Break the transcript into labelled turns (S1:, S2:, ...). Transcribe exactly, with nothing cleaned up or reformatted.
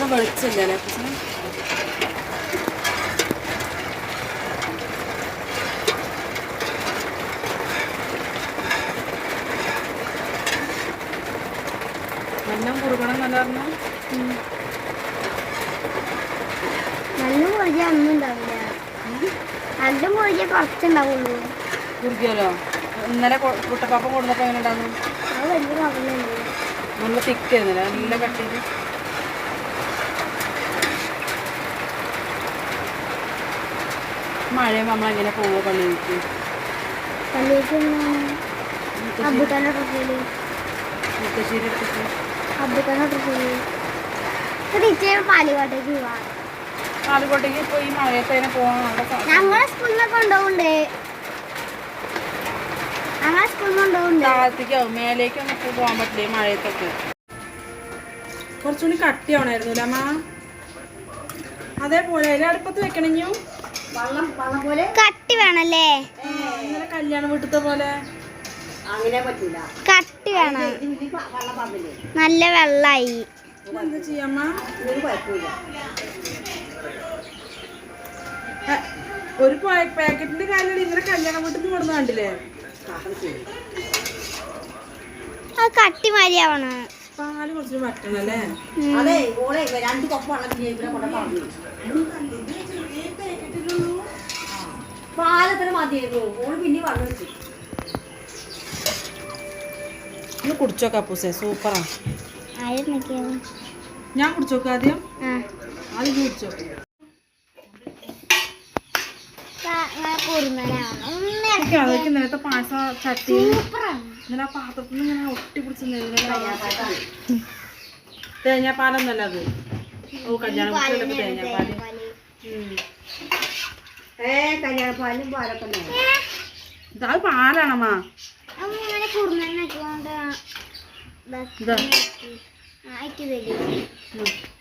S1: വെളിച്ചില്ലല്ലേ അപ്പൂസിന്? നല്ല കുറുകണം നല്ല പറഞ്ഞു.
S2: നല്ല മുറിഞ്ഞ ഒന്നും ഉണ്ടാവില്ല. നല്ല മുറിഞ്ഞ കുറച്ചുണ്ടാവുള്ളൂ.
S1: കുറുകിയല്ലോ. ഇന്നലെ കുട്ടപ്പാപ്പം കൊടുന്നപ്പോൾ എങ്ങനെ ഉണ്ടാകുന്നു?
S2: അത് വലിയ കവലുണ്ട്.
S1: നല്ല തിക്കായിരുന്നില്ല, നല്ല കട്ടിയിൽ. മഴയും നമ്മളെങ്ങനെ പോവോ പള്ളിയിലേക്ക്?
S2: പള്ളിയിലേക്ക് അബുക്കാൻ്റെ ഡ്രസ്സിൽ
S1: മുത്തശ്ശേരി എടുത്തിട്ട്
S2: അബുക്കാൻ്റെ ഡ്രസ്സിൽ ടീച്ചർ പാലിക്കോട്ടേക്ക് പോവാം.
S1: പാലക്കോട്ടേക്ക് ഇപ്പോൾ ഈ മഴയത്ത് അതിനെ പോകാൻ
S2: ഞങ്ങളെ സ്കൂളിൽ നിന്ന് കൊണ്ടുപോകുന്നുണ്ട്. ഞങ്ങളെ സ്കൂളിൽ നിന്ന് കൊണ്ടുപോകുന്നുണ്ട്.
S1: താഴത്തേക്കാവും, മേലേക്കൊന്നും ഇപ്പോൾ പോകാൻ പറ്റില്ല ഈ മഴയത്തൊക്കെ. കുറച്ചുകൂടി കട്ടിയാവണായിരുന്നു അമ്മ. അതേപോലെ അതിൽ അടുപ്പത്ത് വെക്കണെഞ്ഞു വെള്ളം വെള്ളം പോലെ
S2: കട്ടി വേണല്ലേ?
S1: ഇന്നലെ കല്യാണ വീട്ടത്തെ പോലെ അങ്ങനെ പറ്റൂല, കട്ടി
S2: വേണം. നല്ല വെള്ളമായി.
S1: എന്താ ചെയ്യാമ്മ? ഒരു പാക്കറ്റിന്റെ കാര്യം ഇന്നലെ കല്യാണ വീട്ടിൽ നിന്ന് കൊടുന്ന കണ്ടില്ലേ?
S2: അത് കട്ടി മാതിരിയാവണം.
S1: പാല് കുറച്ച് പറ്റണല്ലേ?
S3: പാലത്തിന് മതിയായിരുന്നു. ഓള് പിന്നെ വെള്ളം വെച്ചു.
S1: ഒന്ന് കുടിച്ചോക്കാം അപ്പൂസേ, സൂപ്പറാ. ഞാൻ കുടിച്ചോക്കാം ആദ്യം. ആദ്യം കുടിച്ചോ. അതൊക്കെ നേരത്തെ പായസ ചട്ടി ഇന്നലെ ആ പാത്രത്തിൽ നിന്ന് ഇങ്ങനെ ഒട്ടി പിടിച്ച് തേങ്ങാപ്പാലൊന്നല്ല അത്. ഓ കല്യാണം വീട്ടിലൊക്കെ തേങ്ങാപ്പാല്.
S3: ഏ കല്യാണപ്പാലും പാലൊക്കെ
S1: അത് പാലാണമ്മാ.
S2: കുറുമ